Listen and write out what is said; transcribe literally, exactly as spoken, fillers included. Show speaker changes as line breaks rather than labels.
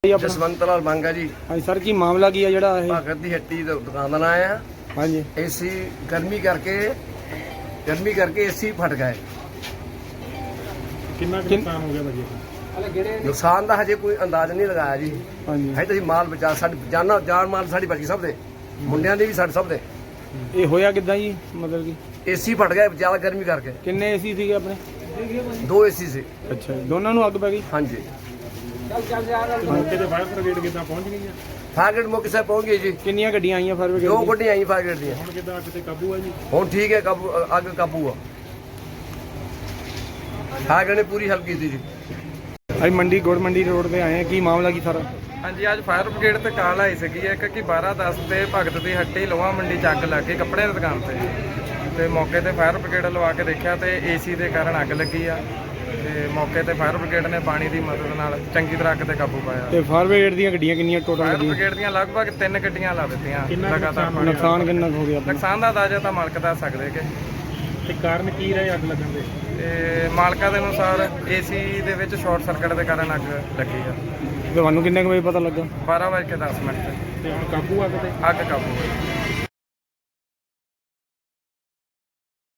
ਜਸਵੰਤ ਲਾਲ ਮੰਗਾ ਜੀ।
ਹਾਂਜੀ ਸਰ, ਕੀ ਮਾਮਲਾ ਕੀ ਹੈ ਜਿਹੜਾ ਇਹ?
ਭਗਤ ਦੀ ਹੱਟੀ ਦੀ ਦੁਕਾਨ ਦਾ ਨਾਂ ਆ।
ਹਾਂਜੀ,
ਏਸੀ ਗਰਮੀ ਕਰਕੇ ਗਰਮੀ ਕਰਕੇ ਏਸੀ ਫਟ ਗਏ।
ਕਿੰਨਾ ਕੁ ਨੁਕਸਾਨ ਹੋ ਗਿਆ ਭਾਜੀ?
ਨੁਕਸਾਨ ਦਾ ਹਜੇ ਕੋਈ ਅੰਦਾਜ਼ ਨਹੀਂ ਲਗਾਇਆ ਜੀ।
ਹਾਂਜੀ,
ਹਜੇ ਤਾਂ ਮਾਲ ਬਚਾ ਸਾਡੀ ਜਾਨਾਂ ਜਾਨ ਮਾਲ ਸਾਡੀ ਬਚ ਗਈ, ਸਭ ਦੇ ਮੁੰਡਿਆਂ ਦੇ ਵੀ ਸਾਡੇ ਸਭ ਦੇ।
ਇਹ ਹੋਇਆ ਕਿੱਦਾਂ ਜੀ? ਮਤਲਬ ਕਿ
ਏਸੀ ਫਟ ਗਏ ਜ਼ਿਆਦਾ ਗਰਮੀ ਕਰਕੇ।
ਕਿੰਨੇ ਏਸੀ ਸੀਗੇ ਆਪਣੇ?
ਦੋ ਏਸੀ ਸੀ।
ਅੱਛਾ ਜੀ, ਦੋਨਾਂ ਨੂੰ ਅੱਗ ਪੈ ਗਈ?
ਹਾਂਜੀ,
ਮੌਕੇ ਤੇ ਫਾਇਰ ਬ੍ਰਿਗੇਡ ਕਿੱਦਾਂ ਪਹੁੰਚ ਗਈ ਹੈ?
ਫਾਇਰ ਮੌਕੇ ਸੇ ਪਹੁੰਚ ਗਈ ਜੀ।
ਕਿੰਨੀਆਂ ਗੱਡੀਆਂ ਆਈਆਂ ਫਾਇਰ
ਦੋ
ਬ੍ਰਿਗੇਡ?
ਗੱਡੀਆਂ ਆਈਆਂ ਫਾਇਰ ਦੀਆਂ।
ਹੁਣ ਕਿੱਦਾਂ ਅੱਗ ਤੇ ਕਾਬੂ ਆ ਜੀ?
ਹੁਣ ਠੀਕ ਹੈ, ਕਾਬੂ ਅੱਗ ਕਾਬੂ ਆ। ਫਾਇਰ ਨੇ ਪੂਰੀ ਹੈਲਪ ਕੀਤੀ ਜੀ।
ਅਸੀਂ ਮੰਡੀ ਗੁੜ ਮੰਡੀ ਰੋਡ ਤੇ ਆਏ ਆ, ਕੀ ਮਾਮਲਾ ਕੀ ਸਾਰਾ?
ਹਾਂਜੀ, ਅੱਜ ਫਾਇਰ ਬ੍ਰਿਗੇਡ ਤੇ ਕਾਲ ਆਈ ਸੀਗੀ ਇੱਕ ਕਿ ਬਾਰਾਂ ਦਸ ਤੇ ਭਗਤ ਦੀ ਹੱਟੀ ਲੋਹਾ ਮੰਡੀ ਚ ਅੱਗ ਲੱਗ ਗਈ ਕੱਪੜੇ ਦੀ ਦੁਕਾਨ ਤੇ। ਤੇ ਮੌਕੇ ਤੇ ਫਾਇਰ ਬ੍ਰਿਗੇਡ ਲਵਾ ਕੇ ਦੇਖਿਆ ਤੇ ਏਸੀ ਦੇ ਕਾਰਨ ਅੱਗ ਲੱਗੀ ਆ। ਤੇ ਮੌਕੇ ਤੇ ਫਾਇਰ ਬ੍ਰਿਗੇਡ ਨੇ ਪਾਣੀ ਦੀ ਮਦਦ ਨਾਲ ਚੰਗੀ ਤਰ੍ਹਾਂ ਅੱਗ ਤੇ ਕਾਬੂ ਪਾਇਆ।
ਤੇ ਫਾਇਰ ਬ੍ਰਿਗੇਡ ਦੀਆਂ ਗੱਡੀਆਂ ਕਿੰਨੀਆਂ ਟੋਟਲ
ਫਾਇਰ
ਲੱਗੀਆਂ?
ਬ੍ਰਿਗੇਡ ਦੀਆਂ ਲਗਭਗ ਤਿੰਨ ਗੱਡੀਆਂ ਲਾ ਦਿੱਤੀਆਂ
ਕਿੰਨਾ ਕੁ
ਲਗਾਤਾਰ।
ਨੁਕਸਾਨ
ਨੁਕਸਾਨ ਕਿੰਨਾ ਕੁ ਹੋ ਗਿਆ ਆਪਣਾ?
ਨੁਕਸਾਨ ਦਾ ਅੰਦਾਜ਼ਾ ਤਾਂ ਮਾਲਕ ਦੱਸ ਸਕਦੇ ਕਿ
ਤੇ ਕਾਰਨ ਕੀ ਰਹੇ ਅੱਗ ਲੱਗਣ ਦੇ?
ਤੇ ਮਾਲਕਾਂ ਦੇ ਅਨੁਸਾਰ ਏਸੀ ਦੇ ਵਿੱਚ ਸ਼ਾਰਟ ਸਰਕਟ ਦੇ ਕਾਰਨ ਅੱਗ ਲੱਗੀ ਆ।
ਤੁਹਾਨੂੰ ਕਿੰਨੇ ਕੁ ਵਜੇ ਪਤਾ ਲੱਗਾ?
ਬਾਰਾਂ ਵਜੇ ਕੇ ਦਸ ਮਿੰਟ ਤੇ
ਤੇ ਹੁਣ ਕਾਬੂ ਅੱਗ ਤੇ?
ਅੱਗ ਕਾਬੂ ਹੋਈ।